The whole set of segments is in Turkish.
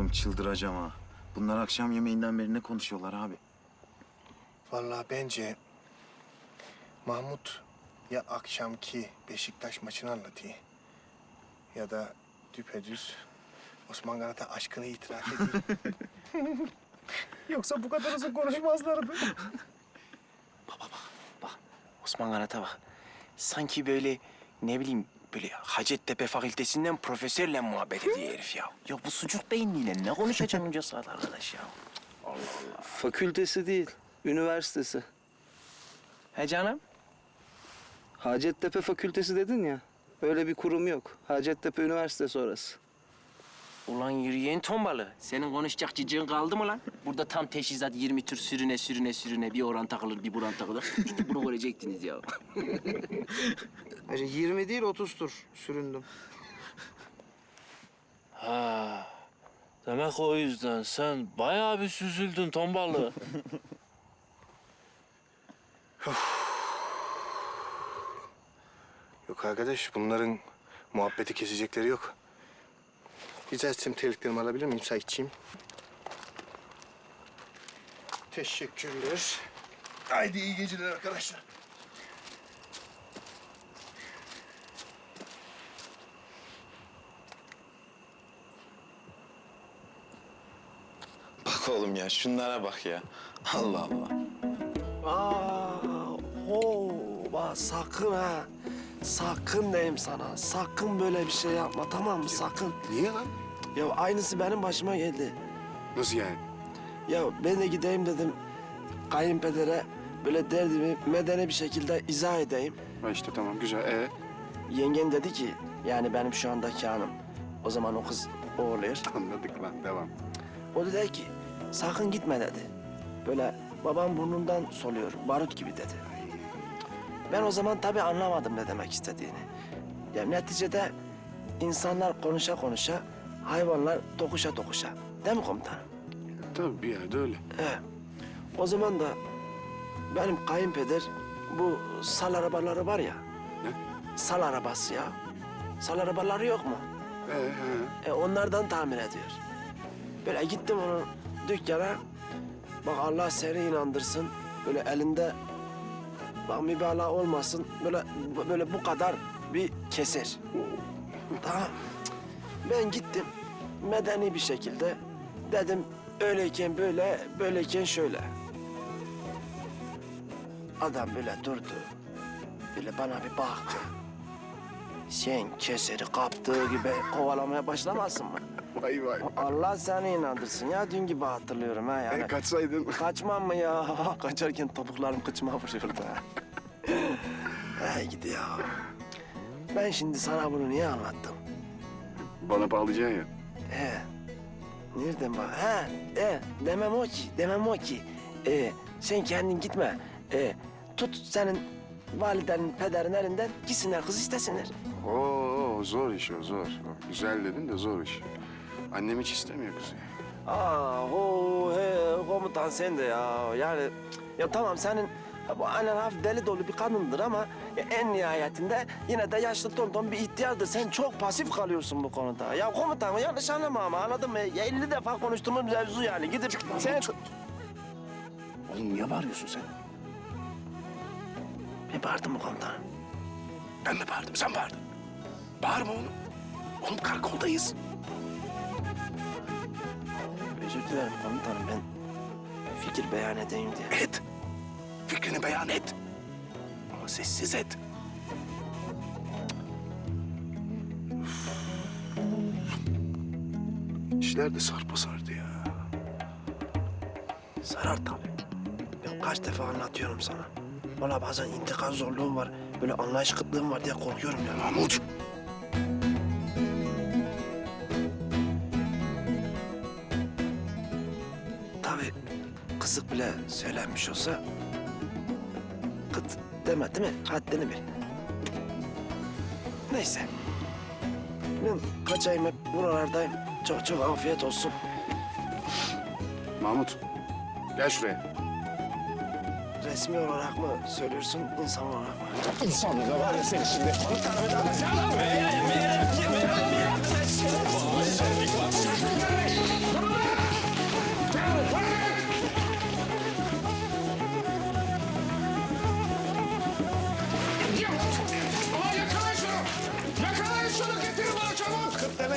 Oğlum çıldıracağım ha. Bunlar akşam yemeğinden beri ne konuşuyorlar abi? Vallahi bence Mahmut ya akşamki Beşiktaş maçını anlatıyor ya da düpedüz Osman Kanat'a aşkını itiraf ediyor. Yoksa bu kadar uzun konuşmazlardı. Bak Osman Kanat'a bak. Sanki böyle ne bileyim böyle Hacettepe Fakültesinden profesörle muhabbet ediyor herif ya. Ya bu sucuk beyinliyle ne konuşacaksın onca saat arkadaş ya? Fakültesi değil, üniversitesi. He canım? Hacettepe Fakültesi dedin ya. Öyle bir kurum yok. Hacettepe Üniversitesi orası. Ulan yürüyen tombalı. Senin konuşacak cicin kaldı mı lan? Burada tam teşhisat 20 tür sürüne bir oran takılır bir buran takılır. İşte bunu görecektiniz ya. Hacı 20 değil 30 tur süründüm. Ha. Demek o yüzden sen bayağı bir süzüldün tombalı. Yok arkadaş, bunların muhabbeti kesecekleri yok. Rica etsem terliklerimi alabilir miyim Saitçiğim? Teşekkürler. Haydi iyi geceler arkadaşlar. Bak oğlum ya şunlara bak ya. Allah Allah. Bak sakın ha. Sakın diyeyim sana. Sakın böyle bir şey yapma, tamam mı? Sakın. Niye lan? Ya aynısı benim başıma geldi. Nasıl yani? Ya ben de gideyim dedim kayınpedere böyle derdimi medeni bir şekilde izah edeyim. Ha işte tamam güzel. Yengen dedi ki yani benim şu andaki hanım. O zaman o kız o oluyor. Anladık lan, devam. O dedi ki sakın gitme dedi. Böyle babam burnundan soluyor, barut gibi dedi. Ben o zaman tabii anlamadım ne demek istediğini. Ya neticede insanlar konuşa konuşa, hayvanlar dokuşa dokuşa. Değil mi komutanım? Tabii bir yerde öyle. He. O zaman da benim kayınpeder bu sal arabaları var ya. Ne? Sal arabası ya. Sal arabaları yok mu? Onlardan tamir ediyor. Böyle gittim onun dükkana. Bak Allah seni inandırsın. Böyle elinde bak mübalağa olmasın. Böyle bu kadar bir keser. Tamam. Ben gittim medeni bir şekilde dedim öyleyken böyle, böyleyken şöyle. Adam böyle durdu. Böyle bana bir baktı. Sen keseri kaptığı gibi kovalamaya başlamazsın mı? Vay vay. Allah seni inandırsın ya. Dün gibi hatırlıyorum ha yani. Kaçsaydın. Kaçmam mı ya? Kaçarken topuklarım kıçıma vuruyordu ha. Hey gidi ya. Ben şimdi sana bunu niye anlattım? Bana bağlayacaksın ya. He. Nereden bak? Demem o ki. Sen kendin gitme. Tut senin validenin, pederin elinden gitsinler, kız istesinler. Oo zor iş o zor. Güzel dedin de zor iş. Annem hiç istemiyor kızı. Komutan sen de ya. Yani ya tamam senin bu annen hafif deli dolu bir kadındır ama en nihayetinde yine de yaşlı tonton bir ihtiyardır. Sen çok pasif kalıyorsun bu konuda. Ya komutan yanlış anlama ama anladın mı? 50 defa konuştuğumuz mevzu yani. Gidip sen... Oğlum niye bağırıyorsun sen? Ben bağırdım mı komutanım? Ben mi bağırdım, sen bağırdın. Bağırma oğlum. Oğlum karakoldayız. Özür dilerim komutanım ben fikir beyan edeyim diye. Et. Fikrini beyan et. Ama sessiz et. İşler de sarpa sardı ya. Sarar tabii. Ben kaç defa anlatıyorum sana. Valla bazen intikam zorluğum var. Böyle anlayış kıtlığım var diye korkuyorum ya. Mahmut. Tabii kısık bile söylenmiş olsa... ...kıt deme değil mi? Haddini bil. Neyse. Ben kaçayım hep buralardayım. Çok çok afiyet olsun. Mahmut gel şuraya. Resmi olarak mı söylüyorsun, insan olarak mı? İnsanlığı da var ya seni şimdi. Dur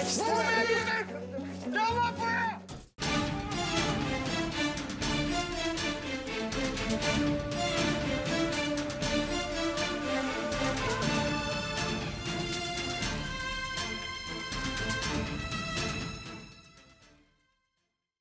İstemem. Yavaş!